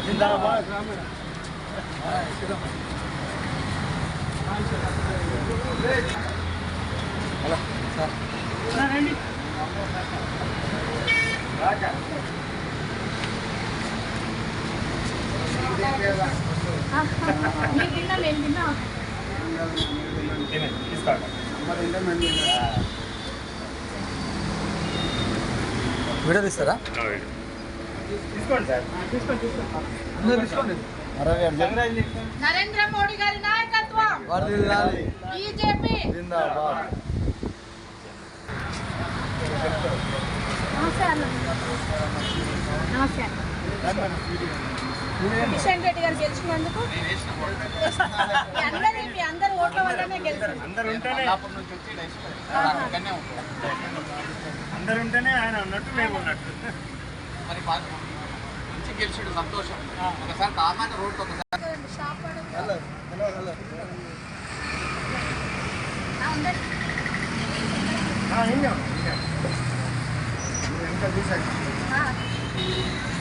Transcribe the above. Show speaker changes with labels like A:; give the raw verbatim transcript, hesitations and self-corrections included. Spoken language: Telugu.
A: జిందాబాద్. హలో సార్ రండి.
B: మీరు తిన్నా నేను తిన్నా
A: వీడియో తీస్తారా?
C: తీసుకోండి సార్, తీసుకోండి తీసుకోండి.
B: నరేంద్ర మోడీ గారి నాయకత్వం, బీజేపీ
A: జిందాబాద్.
B: నమస్తే అన్న. నమస్తే కిషన్ రెడ్డి గారు గెలిచినందుకు మీ అందరి మీ అందరి ఓట్ల వల్లనే గెలిచారు.
C: అందరు ఉంటేనే అందరు ఉంటేనే ఆయన ఉన్నట్టు మేము ఉన్నట్టు.
D: మరి మంచి గెలిచాడు, సంతోషం. ఒకసారి కామాక రోడ్డు ఒకసారి
C: ఇంకా చూసాను.